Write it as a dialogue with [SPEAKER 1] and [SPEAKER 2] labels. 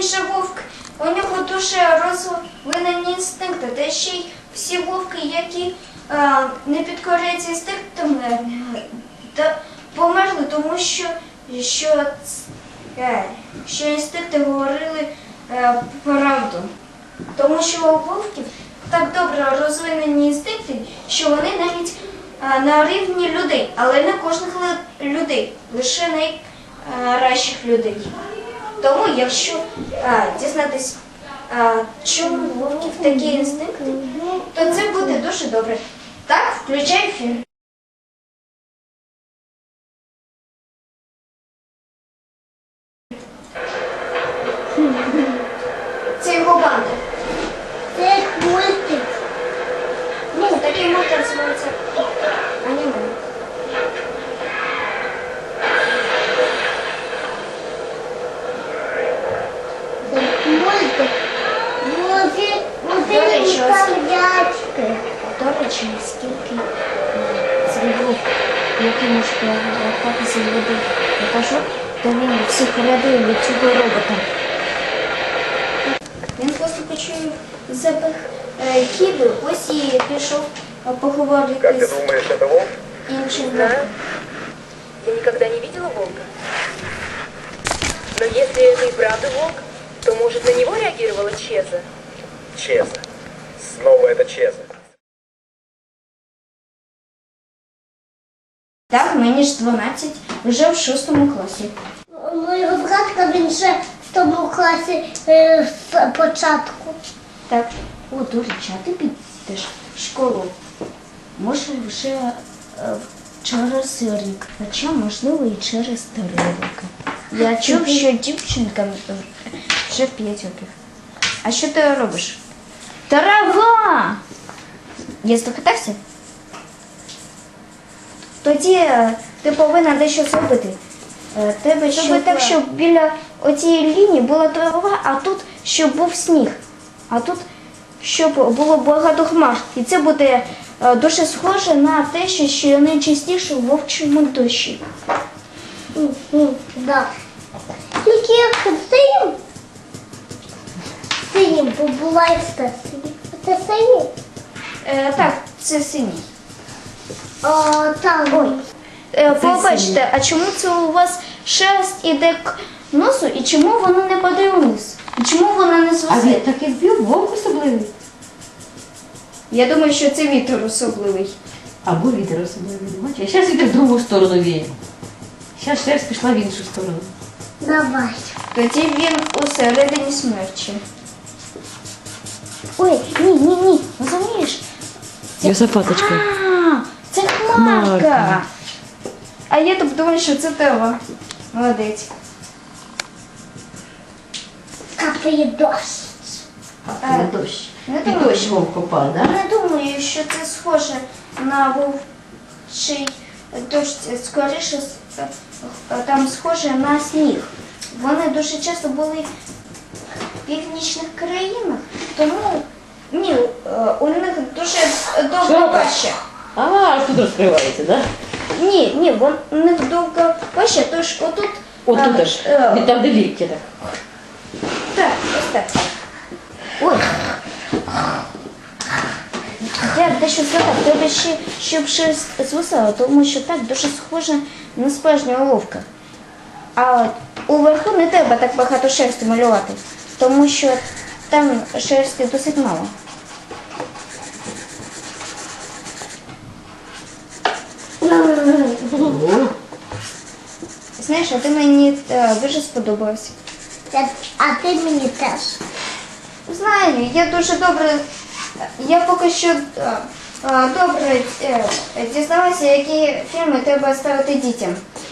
[SPEAKER 1] же вовк, у нього дуже розвинені інстинкти, та ще й всі вовки, які не підкоряються інстинктам, померли, тому що інстинкти говорили правду. Тому що у вовків так добре розвинені інстинкти, що вони навіть на рівні людей, але не кожних людей, лише найкращих людей. Тому, якщо дізнатись, чому у вовків такі інстинкти, то це буде дуже добре. Так, включай фільм. Це його банда.
[SPEAKER 2] Це мультик.
[SPEAKER 1] Ну, такий мультик називається аніме.
[SPEAKER 2] Це мультик.
[SPEAKER 1] До речі,
[SPEAKER 2] Мультик.
[SPEAKER 1] До речі, скільки цей вовк, який може рахуватися з води, я кажу, то він всіх рятує від цього робота. Він просто почув запах ківи, ось і пішов поговорити
[SPEAKER 3] Как ты
[SPEAKER 1] з
[SPEAKER 3] думаешь, это волк?
[SPEAKER 1] іншим.
[SPEAKER 4] Знаю. Я никогда не видела волка. Но если это и правда волк, то, может, на него реагировала Чеза?
[SPEAKER 3] Чеза. Снова это Чеза.
[SPEAKER 1] Так, мені ж 12, вже в 6 класі.
[SPEAKER 2] Моєго братка, він ще в тому класі з початку.
[SPEAKER 1] Так, о, до речі, а ти підеш в школу? Може, вже через рік, хоча, можливо, і через 3 роки. Я чув, що дівчинкам вже 5 років. А що ти робиш? Трава! Я здогадався? Тоді ти повинна дещо зробити. Тебе зроби так, щоб біля оцієї лінії була трава, а тут, щоб був сніг. А тут, щоб було багато хмар. І це буде дуже схоже на те, що найчастіше у вовчому дощі.
[SPEAKER 2] Да. Тільки як синім, бо буває все синім. Це синій?
[SPEAKER 1] Так, це синій.
[SPEAKER 2] Там.
[SPEAKER 1] Ой, побачте, а чому це у вас шерсть іде к носу, і чому воно не падає вниз? І чому воно не
[SPEAKER 5] А
[SPEAKER 1] звисає?
[SPEAKER 5] він такий вбив, вовк особливий.
[SPEAKER 1] Я думаю, що це вітер особливий.
[SPEAKER 5] Або вітер особливий. Бачиш? А зараз вітер в другу сторону віє. Зараз шерсть пішла в іншу сторону.
[SPEAKER 2] Давай.
[SPEAKER 1] Тоді він усередині смерчі. Ой, ні, розумієш?
[SPEAKER 5] Йосифаточка.
[SPEAKER 1] А, це хмарка. А я так думаю, що це трава. Молодець.
[SPEAKER 2] Капає дощ.
[SPEAKER 5] Дощ.
[SPEAKER 1] Не
[SPEAKER 5] І
[SPEAKER 1] думаю,
[SPEAKER 5] дощ вовк попав, так?
[SPEAKER 1] Не думаю, що це схоже на вовчий дощ. Скоріше, там схоже на сніг. Вони дуже часто були в північних країнах, тому ні, у них дуже довго паща.
[SPEAKER 5] А, тут розкривається, так?
[SPEAKER 1] Ні, у них довго паща, тож отут...
[SPEAKER 5] Отут аж, там де лікті так.
[SPEAKER 1] Так, ось так. Ой. Я дещо згадав, треба ще, щоб шерсть звисала, тому що так дуже схоже на справжнього вовка. А уверху не треба так багато шерсті малювати, тому що там шерсті досить мало. Знаєш, а ти мені дуже сподобалась.
[SPEAKER 2] А ти мені теж.
[SPEAKER 1] Знаю, я дуже добре, я поки що добре дізналася, які фільми треба ставити дітям.